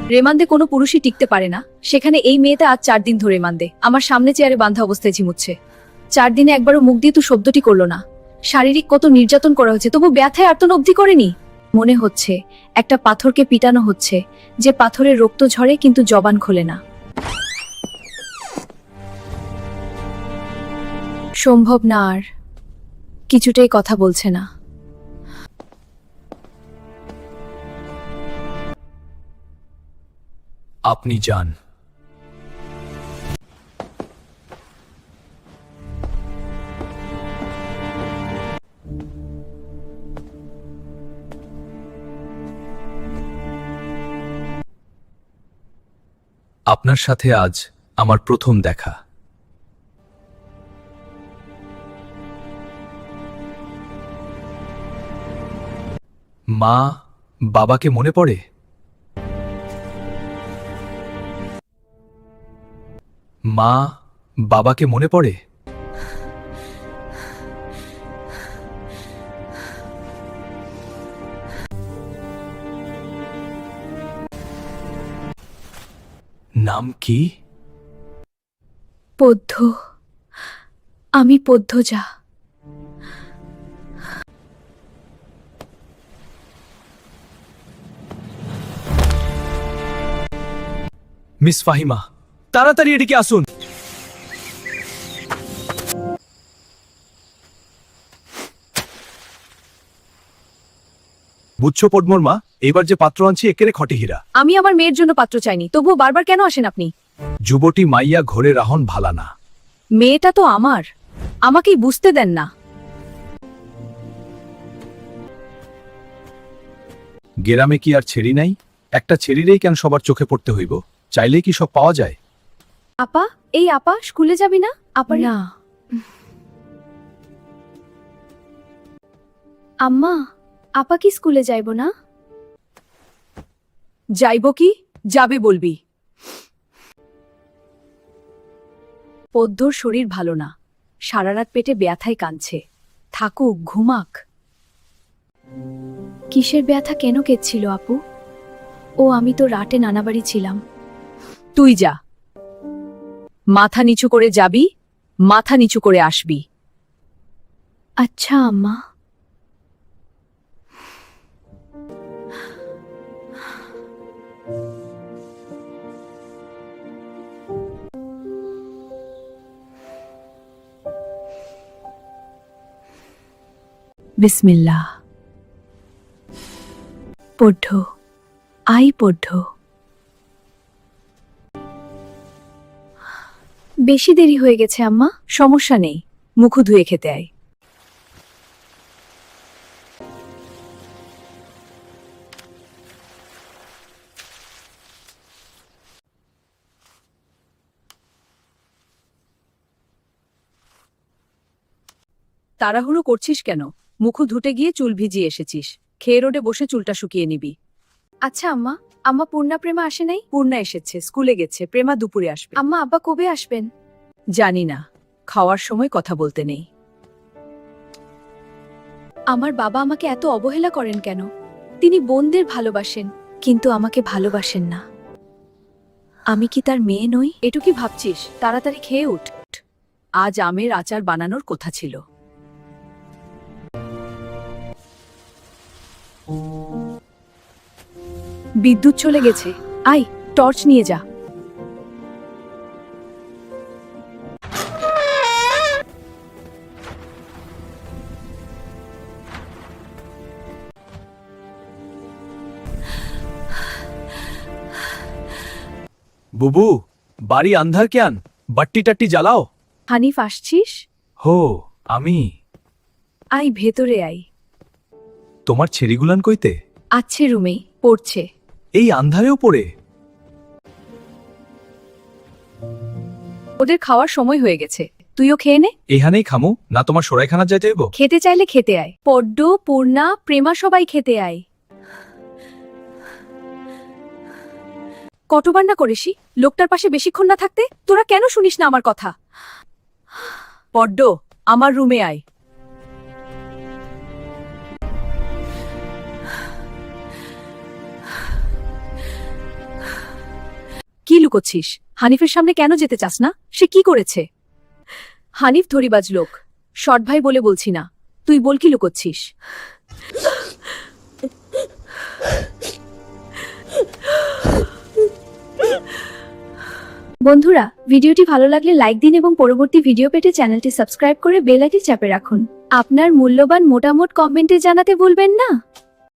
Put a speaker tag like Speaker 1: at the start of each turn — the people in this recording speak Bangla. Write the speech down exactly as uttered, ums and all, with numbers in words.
Speaker 1: রেমান্দে কোনো পুরুষই টিকতে পারে না, সেখানে এই মেয়েটা আজ চার দিন ধরে রেমান্দে আমার সামনে চেয়ারে বাঁধা অবস্থায় ঝিমুচ্ছে। চার দিনে একবারও মুখ দিয়ে তো শব্দটি করলো না। শারীরিক কত নির্যাতন করা হচ্ছে, তবু ব্যথায় আর্তন অবধি করেনি। মনে হচ্ছে একটা পাথরকে পিটানো হচ্ছে, যে পাথরের রক্ত ঝরে কিন্তু জবান খোলে না। সম্ভব না, আর কিছুটাই কথা বলছে না।
Speaker 2: আপনি যান। আপনার সাথে আজ আমার প্রথম দেখা। মা, বাবাকে মনে পড়ে? মা, বাবাকে মনে পড়ে? নাম কি?
Speaker 1: পদ্ম। আমি পদ্মজা।
Speaker 2: মিস ফাহিমা, তাড়াতাড়ি এদিকে আসুন। বুঝছো পদ্মর মা, এবার যে পাত্র আনছি একেরে খটে হীরা।
Speaker 1: আমি আমার মেয়ের জন্য পাত্র চাইনি, তবুও বারবার কেন আসেন আপনি?
Speaker 2: যুবতী মাইয়া ঘরে রাহন ভালা না।
Speaker 1: মেয়েটা তো আমার, আমাকেই বুঝতে দেন না।
Speaker 2: গেরামে কি আর ছেড়ি নাই? একটা ছেড়িরেই কেন সবার চোখে পড়তে হইব? চাইলেই কি সব পাওয়া যায়?
Speaker 1: আপা, এই আপা স্কুলে যাবি না? আপা না। আম্মা, আপা কি স্কুলে যাইব না? যাইব কি, যাবে বলবি। পদ্মর শরীর ভালো না, সারা রাত পেটে ব্যথায় কাঁদছে। থাকুক, ঘুমাক। কিসের ব্যথা, কেন কেঁদছিল আপু? ও, আমি তো রাতে নানাবাড়ি ছিলাম। তুই যা, মাথা নিচু করে যাবি, মাথা নিচু করে আসবি। আচ্ছা আম্মা। বিসমিল্লাহ। পড়ঢ, আই পড়ঢ। বেশি দেরি হয়ে গেছে আম্মা। সমস্যা নেই, মুখ ধুয়ে খেতে আয়। তাড়াহুড়ো করছিস কেন? মুখ ধুতে গিয়ে চুল ভিজিয়ে এসেছিস, খেয়ে রোডে বসে চুলটা শুকিয়ে নিবি। আচ্ছা আম্মা, আম্মা পূর্ণা প্রেমা আসে নাই? পূর্ণা এসেছে, স্কুলে গেছে। প্রেমা দুপুরে আসবে। আম্মা, আব্বা কবে আসবেন? জানি না, খাওয়ার সময় কথা বলতে নেই। আমার বাবা আমাকে এত অবহেলা করেন কেন? তিনি বোনদের ভালোবাসেন, কিন্তু আমাকে ভালোবাসেন না। আমি কি তার মেয়ে নই? এটু কি ভাবছিস? তাড়াতাড়ি খেয়ে উঠ। আজ আমের আচার বানানোর কথা ছিল। বিদ্যুৎ চলে গেছে, আয় টর্চ নিয়ে যা।
Speaker 2: বুবু, বাড়ি আন্ধার কেন? বাট্টি টাট্টি জ্বালাও।
Speaker 1: হানিফ আসছিস?
Speaker 2: হো, আমি।
Speaker 1: আয় ভেতরে আয়।
Speaker 2: তোমার ছেড়িগুলান কইতে?
Speaker 1: আছে রুমে, পড়ছে।
Speaker 2: এই আন্ধারেও পড়ে?
Speaker 1: ওদের খাওয়ার সময় হয়ে গেছে, তুইও খেয়ে নে।
Speaker 2: এখানেই খামু না তোমার সরাইখানা যাইতে হইব?
Speaker 1: খেতে চাইলে খেতে আয়। পড্ড, পূর্ণা, প্রেমা সবাই খেতে আয়। কতবার না করেছি লোকটার পাশে বেশিক্ষণ না থাকতে? তোরা কেন শুনিস না আমার কথা? পড্ড, আমার রুমে আয়। লুকোচ্ছিস? হানিফের সামনে কেন যেতে চাস না? সে কি করেছে? হানিফ ধরিবাজ লোক, সৎ ভাই বলে বলছি না। তুই বল কি লুকোচ্ছিস? বন্ধুরা, ভিডিওটি ভালো লাগলে লাইক দিন এবং পরবর্তী ভিডিও পেতে চ্যানেলটি সাবস্ক্রাইব করে বেল আইকনটি চাপে রাখুন। আপনার মূল্যবান মতামত কমেন্টে জানাতে ভুলবেন না।